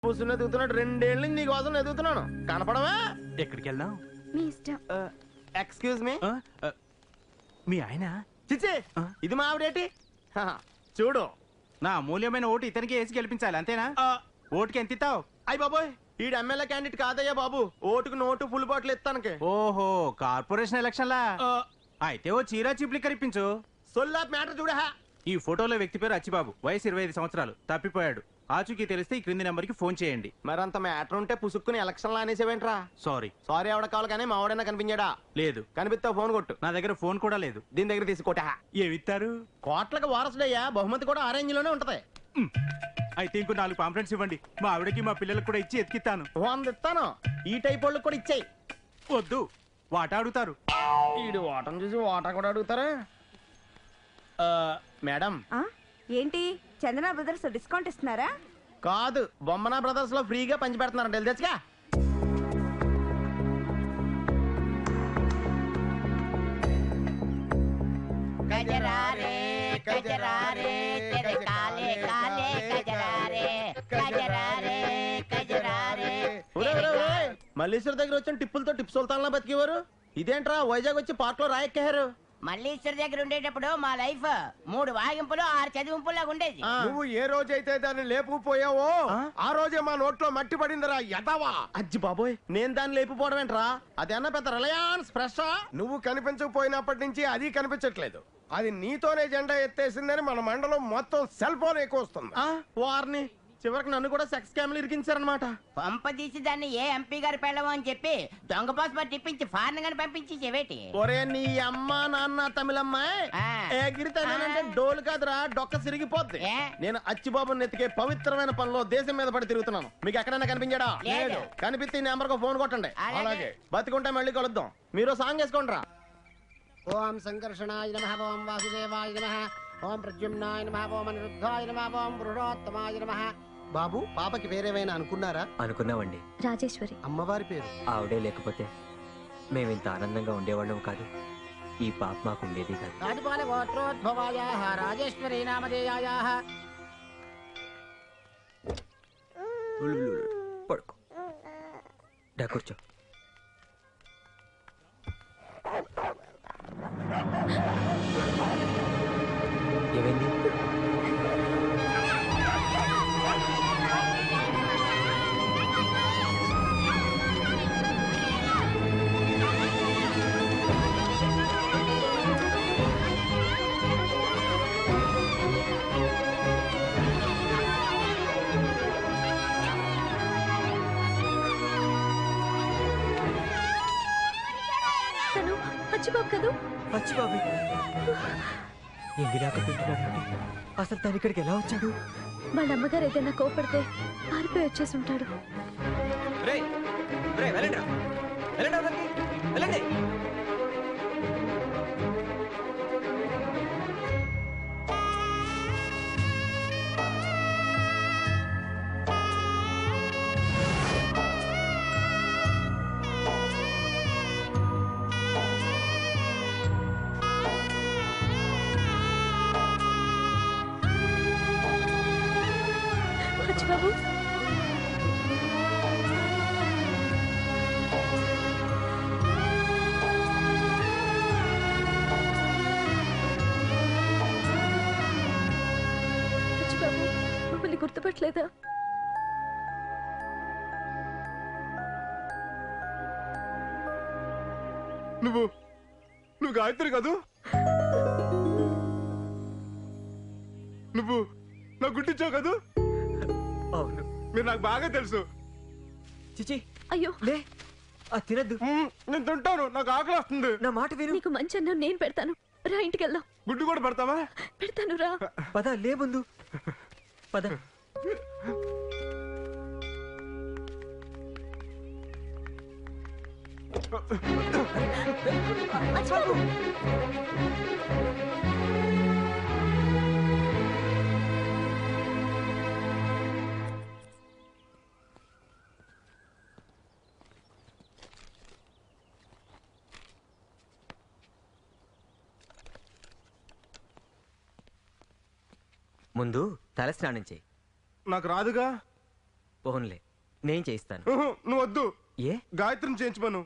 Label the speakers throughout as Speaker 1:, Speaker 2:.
Speaker 1: కూర్చుని ఎదుగుతున్నాడు. 2 ఏళ్ళ నుంచి నీకోసం ఎదుగుతున్నాను. కనపడవా?
Speaker 2: ఎక్కడికి వెళ్దాం?
Speaker 3: మీ ఇష్టం.
Speaker 1: Excuse me.
Speaker 2: మీ ఆయన?
Speaker 1: చిచ్చి, ఇది మా ఆవిడేటి? చూడు,
Speaker 2: నా అమూల్యమైన ఓటు ఇతనికి వేసి గెలిపించాలి, అంతేనా? ఓటుకి ఎంత ఇస్తావు?
Speaker 1: అయ్య బాబోయ్, ఈడు ఎమ్మెల్యే క్యాండిడేట్ కాదయ్యా బాబు. ఓటుకు నోటు ఫుల్ బాటిల్ ఇస్తానికి.
Speaker 2: ఓహో, కార్పొరేషన్ ఎలక్షన్లా? అయితే ఓ చీరా చిప్లిక్కర్ ఇప్పించు.
Speaker 1: సొల్లాప్ మ్యాటర్ చూడహా.
Speaker 2: ఈ ఫోటోలో వ్యక్తి పేరు అచ్చిబాబు, వయసు 25 సంవత్సరాలు, తప్పిపోయాడు. ఆచూకీ తెలిస్తే ఈ క్రింది నెంబర్కి ఫోన్ చేయండి.
Speaker 1: మరంత మ్యాటర్ ఉంటే పుసుక్కుని ఎలక్షన్ అనేసేవేంట్రా?
Speaker 2: సారీ.
Speaker 1: సారీ ఎవడ కావాలి కానీ మా ఆవిడైనా కనిపించాడా?
Speaker 2: లేదు.
Speaker 1: కనిపిస్తావు ఫోన్ కొట్టు.
Speaker 2: నా దగ్గర ఫోన్ కూడా లేదు.
Speaker 1: దీని దగ్గర తీసుకోట.
Speaker 2: ఏమిస్తారు?
Speaker 1: కోట్లకు వారసుడయ్యా, బహుమతి కూడా ఆరెంజ్ లోనే ఉంటది.
Speaker 2: అయితే ఇంకో 4 పాంప్లెట్స్ ఇవ్వండి. మా ఆవిడకి మా పిల్లలకు కూడా ఇచ్చి ఎత్తిస్తాను.
Speaker 1: 100 ఇస్తాను. ఈ టైప్ వాళ్ళకి కూడా ఇచ్చాయి.
Speaker 2: వద్దు, వాటా అడుగుతారు.
Speaker 1: ఈడు వాటం చూసి వాటా కూడా అడుగుతారా? మేడం,
Speaker 3: ఏంటి చందన బ్రదర్స్ డిస్కౌంట్ ఇస్తున్నారా?
Speaker 1: కాదు, బొమ్మనా బ్రదర్స్ లో ఫ్రీగా పంచి పెడుతున్నారంట. తెలుసుగా.
Speaker 4: गजरारे गजरारे तेरे काले काले गजरारे गजरारे गजरारे
Speaker 1: మల్లీశ్వర్ దగ్గర వచ్చిన టిప్పులతో టిప్స్ సుల్తాన్లా బతికేవారు. ఇదేంట్రా వైజాగ్ వచ్చి పార్క్ లో రాయెక్కారు?
Speaker 4: మల్లీశ్వర్ దగ్గర ఉండేటప్పుడు మా లైఫ్ 3 వాగింపులు 6 చదివింపులాగా ఉండేది.
Speaker 5: నువ్వు ఏ రోజైతే దాన్ని లేపుకుపోయావో ఆ రోజే మా నోట్లో మట్టి పడిందిరా ఎదవా.
Speaker 1: అజ్జి బాబోయ్, నేను దాన్ని లేపిపోవడం ఏంట్రా? అదేనా పెద్ద రిలయన్స్ ఫ్రెష్?
Speaker 5: నువ్వు కనిపించకపోయినప్పటి నుంచి అది కనిపించట్లేదు. అది నీతోనే జెండా ఎత్తేసిందని మన మండలం మొత్తం సెల్ ఫోన్ ఎక్కువ వస్తుంది.
Speaker 1: వారిని చివరికి నన్ను కూడా సెక్స్ క్యామ్లు ఇరికించారనమాట.
Speaker 4: పంపదీసి దాన్ని ఏ ఎంపీ గారు పెళ్ళము అని చెప్పి దొంగ పాస్పోర్ట్ ఇప్పించి ఫారెన్ గాని పంపించి చెవేటి.
Speaker 1: ఒరే నీ అమ్మ నాన్న తమిళమ్మాయి ఎగిరితేనంటే డోలు కాదురా, డొక్క సిరిగిపోద్ది. నేను అచ్చిబాబుని ఎత్తికే పవిత్రమైన పనిలో దేశం మీద పడి తిరుగుతున్నాను. మీకు ఎక్కడైనా కనిపించాడా?
Speaker 4: లేదు.
Speaker 1: కనిపిస్తే ఈ నెంబర్ ఫోన్ కొట్టండి.
Speaker 4: అలాగే.
Speaker 1: బతికుంటే మళ్ళీ కలుద్దాం. మీరు సాంగ్ వేసుకోండి రా.
Speaker 6: ఓం సంకర్షణాయ నమః, ఓం వాసుదేవాయ నమః, ఓం ప్రద్యుమ్నాయ నమః, ఓం అనిరుద్ధాయ నమః, ఓం పురుషోత్తమాయ నమః. బాబు, పాపకి పేరేమైనా అనుకున్నారా?
Speaker 7: అనుకున్నామండి.
Speaker 3: రాజేశ్వరి
Speaker 6: అమ్మవారి పేరు.
Speaker 7: ఆవిడే లేకపోతే మేమింత ఆనందంగా ఉండేవాళ్ళం కాదు. ఈ పాప మాకు ఉండేది కాదు.
Speaker 6: రాజపాల గోత్రోద్భవాయాః రాజేశ్వరీ నామధేయాయాః.
Speaker 7: పడుకో. డా కూర్చో. ఏమైంది?
Speaker 3: తను అచ్చిబాబు కదూ?
Speaker 7: అచ్చిబాబు ఎంగిలాక తింటున్నాడు. అసలు తను ఇక్కడికి ఎలా వచ్చాడు?
Speaker 3: వాళ్ళ అమ్మగారు ఏదైనా కోపడితే పారిపోయి వచ్చేసి ఉంటాడు. అచ్చిబాబు, అచ్చిబాబు మమ్మల్ని గుర్తుపట్టలేదా?
Speaker 5: నువ్వు గాయత్రి కదూ? నువ్వు నా గుట్టించావు కదూ?
Speaker 7: అవును.
Speaker 5: మీరు నాకు బాగా తెలుసు.
Speaker 7: చిచి,
Speaker 3: అయ్యో
Speaker 7: లే, అది తినద్దు.
Speaker 5: నేను తింటాను, నాకు ఆకలి వస్తుంది.
Speaker 7: నా మాట విను.
Speaker 3: నీకు మంచి అన్నం నేను పెడతాను. రా, ఇంటికి వెళ్దాం.
Speaker 5: గుడ్డు కూడా పెడతావా?
Speaker 3: పెడతాను రా.
Speaker 7: పద, లే ముందు పద.
Speaker 3: అచ్చిబాబు,
Speaker 7: ముందు తల స్నానం చేయి.
Speaker 5: నాకు రాదుగా.
Speaker 7: పోన్లే నేను చేయిస్తాను.
Speaker 5: నువ్వు వద్దు,
Speaker 7: ఏ
Speaker 5: గాయత్రిని చేయించమను.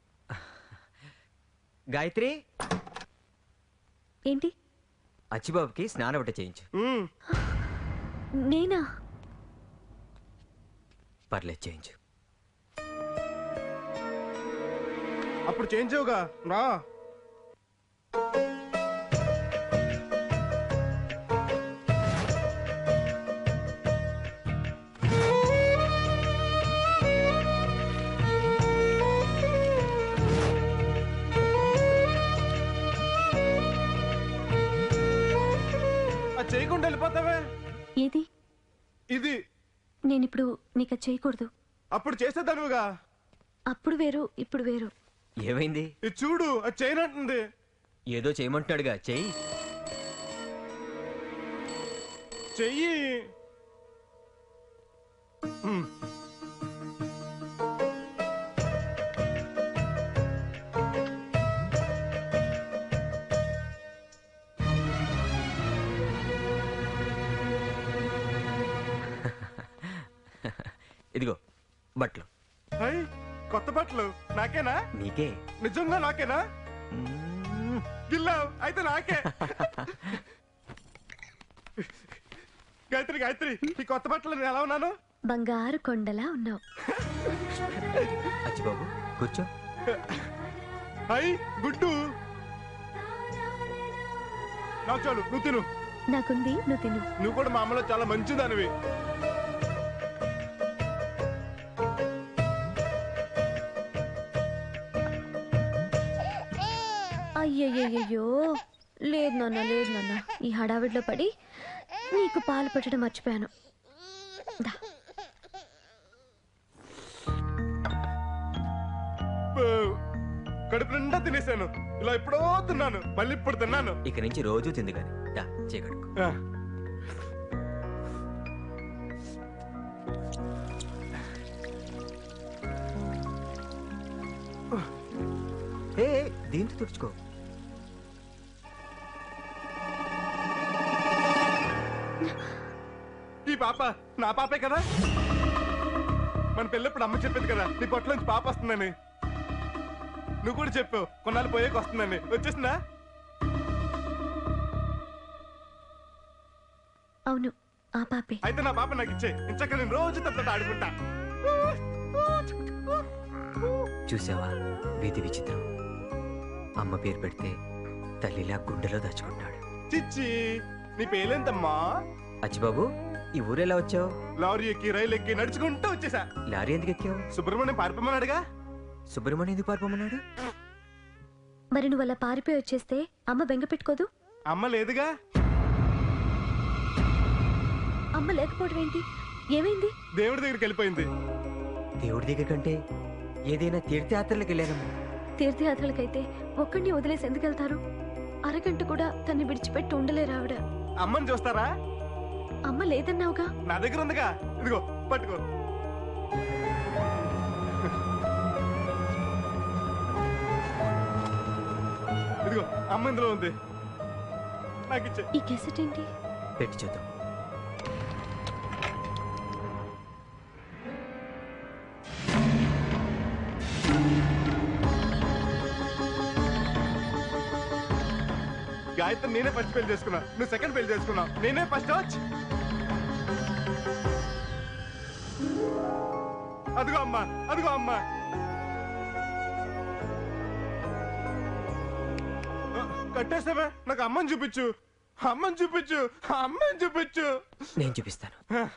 Speaker 7: గాయత్రి,
Speaker 3: ఏంటి?
Speaker 7: అచ్చిబాబుకి స్నానం ఒకటి చేయించు.
Speaker 3: నేనా?
Speaker 7: పర్లేదు చేయించు.
Speaker 5: అప్పుడు చేయించావుగా, రా. చేయకుండా వెళ్ళిపోతావే.
Speaker 3: ఏది?
Speaker 5: ఇది
Speaker 3: నేనిప్పుడు నీకు అది చేయకూడదు.
Speaker 5: అప్పుడు చేసేదానుగా.
Speaker 3: అప్పుడు వేరు, ఇప్పుడు వేరు.
Speaker 7: ఏమైంది?
Speaker 5: ఇది చూడు, అది చేయనంటుంది.
Speaker 7: ఏదో చేయమంటున్నాడుగా, చెయ్యి.
Speaker 5: చెయ్యి.
Speaker 7: ఇదిగో బట్టలు.
Speaker 5: కొత్త బట్టలు నాకేనా?
Speaker 7: నీకే.
Speaker 5: నిజంగా నాకేనా? గిల్లావు అయితే నాకే. గాయత్రి, గాయత్రి, ఈ కొత్త బట్టలు నేను ఎలా ఉన్నాను?
Speaker 3: బంగారు కొండలా ఉన్నావు.
Speaker 7: అచ్చిబాబు కూర్చో.
Speaker 5: గుడ్డు నాకు చాలు, నువ్వు తిను.
Speaker 3: నాకుంది, నువ్వు తిను.
Speaker 5: నువ్వు కూడా మా అమ్మలో చాలా మంచిదానివి.
Speaker 3: అయ్యయ్యో, లేదు నాన్న, లేదు నాన్న. ఈ హడావిడిలో పడి నీకు పాలు పెట్టడం మర్చిపోయాను.
Speaker 5: కడుపు నిండా తినేసాను. ఇలా ఎప్పుడో తిన్నాను, మళ్ళీ ఇప్పుడు తిన్నాను.
Speaker 7: ఇక నుంచి రోజు తింది కానీ చేయగడుకు. దీంతో తుడుచుకో.
Speaker 5: ఈ పాప నా పాపే కదా. మన పెళ్ళప్పుడు అమ్మ చెప్పింది కదా, నీ పొట్టలోంచి పాప వస్తుందని. నువ్వు కూడా చెప్పావు కొన్నాళ్ళు పోయేకి వస్తుందని. వచ్చేసిందా?
Speaker 3: అవును, ఆ పాపే.
Speaker 5: అయితే నా పాప నాకు ఇచ్చే, ఇంచక్క నేను రోజు తప్ప ఆడుకుంటా.
Speaker 7: చూసావా వీధి విచిత్రం. అమ్మ పేరు పెడితే తల్లిలా గుండెలో దాచుకుంటాడు.
Speaker 5: చిచ్చి, నీ పేలేంతమ్మా?
Speaker 7: అచ్చిబాబు, ఈ ఊరెలా వచ్చావు?
Speaker 5: లారీ ఎక్కి, రైలు ఎక్కి, నడుచుకుంటూ వచ్చేసా.
Speaker 7: లారీ ఎందుకు ఎక్కావు?
Speaker 5: సుబ్రహ్మణ్యం పారిపోమన్నాడుగా.
Speaker 7: సుబ్రహ్మణ్యం ఎందుకు పారిపోమన్నాడు?
Speaker 3: మరి నువ్వు అలా పారిపోయి వచ్చేస్తే అమ్మ బెంగ పెట్టుకోదు?
Speaker 5: అమ్మ లేదుగా.
Speaker 3: అమ్మ లేకపోవడం ఏంటి? ఏమైంది?
Speaker 5: దేవుడి దగ్గరికి వెళ్ళిపోయింది.
Speaker 7: దేవుడి దగ్గర కంటే ఏదైనా తీర్థయాత్రలకు వెళ్ళానమ్మా.
Speaker 3: తీర్థయాత్రలకైతే ఒక్కడిని వదిలేసి ఎందుకు వెళ్తారు? అరగంట కూడా తన్ని విడిచిపెట్టి ఉండలేరు ఆవిడ.
Speaker 5: అమ్మని చూస్తారా?
Speaker 3: అమ్మ లేదన్నావుగా.
Speaker 5: నా దగ్గర ఉందిగా, ఇదిగో పట్టుకో. ఇదిగో అమ్మ ఇందులో ఉంది, నాకు ఇచ్చే.
Speaker 3: ఈ కెసెట్ ఏంటి?
Speaker 7: పెట్టి చూద్దాం.
Speaker 5: గాయత్రి నేనే ఫస్ట్ పెళ్లి చేసుకున్నా, నువ్వు సెకండ్ పెళ్లి చేసుకున్నావు. నేనే ఫస్ట్ వచ్చి. అదిగో అమ్మా, అదిగో అమ్మా. కట్టేస్తావే, నాకు అమ్మని చూపించు, అమ్మని చూపించు, అమ్మని చూపించు.
Speaker 7: నేను చూపిస్తాను.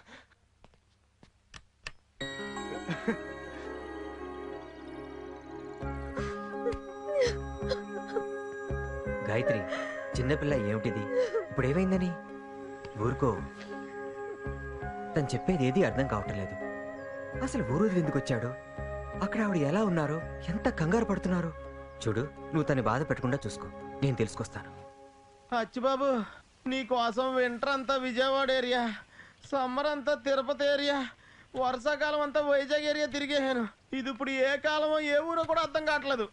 Speaker 7: గాయత్రి, చిన్నపిల్ల ఏమిటిది? ఇప్పుడు ఏమైందని? ఊరుకో. తను చెప్పేది ఏది అర్థం కావటం లేదు. అసలు ఊరు ఎందుకు వచ్చాడు? అక్కడ ఆవిడ ఎలా ఉన్నారో, ఎంత కంగారు పడుతున్నారో చూడు. నువ్వు తను బాధ పెట్టకుండా చూసుకో, నేను తెలుసుకొస్తాను.
Speaker 1: అచ్చిబాబు, నీ కోసం వింటర్ అంతా విజయవాడ ఏరియా, సమ్మర్ అంతా తిరుపతి ఏరియా, వర్షాకాలం అంతా వైజాగ్ ఏరియా తిరిగేసాను. ఇది ఇప్పుడు ఏ కాలమో ఏ ఊరో కూడా అర్థం కావట్లేదు.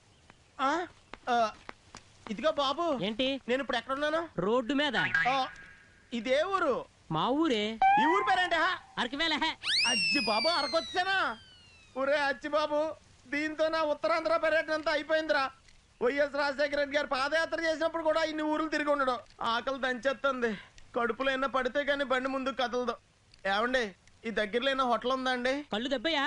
Speaker 1: ఇదిగో బాబు,
Speaker 8: ఏంటి?
Speaker 1: నేను ఇప్పుడు ఎక్కడున్నాను?
Speaker 8: రోడ్డు మీద.
Speaker 1: ఇదే ఊరు?
Speaker 8: మా ఊరే.
Speaker 1: ఈ ఊరి పేరేంటి?
Speaker 8: అరకువేల.
Speaker 1: అజ్జి బాబు అరకొచ్చానా? ఒరే అచ్చి బాబు, దీంతో నా ఉత్తరాంధ్ర పర్యటన అంతా అయిపోయిందిరా. వైఎస్ రాజశేఖర రెడ్డి గారు పాదయాత్ర చేసినప్పుడు కూడా ఇన్ని ఊర్లు తిరిగి ఉండడం. ఆకలి దంచేస్తుంది. కడుపులో ఎన్న పడితే కానీ బండి ముందుకు కదలదు. ఏమండి, ఈ దగ్గరలో ఏమైనా హోటల్ ఉందా అండి?
Speaker 8: కళ్ళు దెబ్బయా?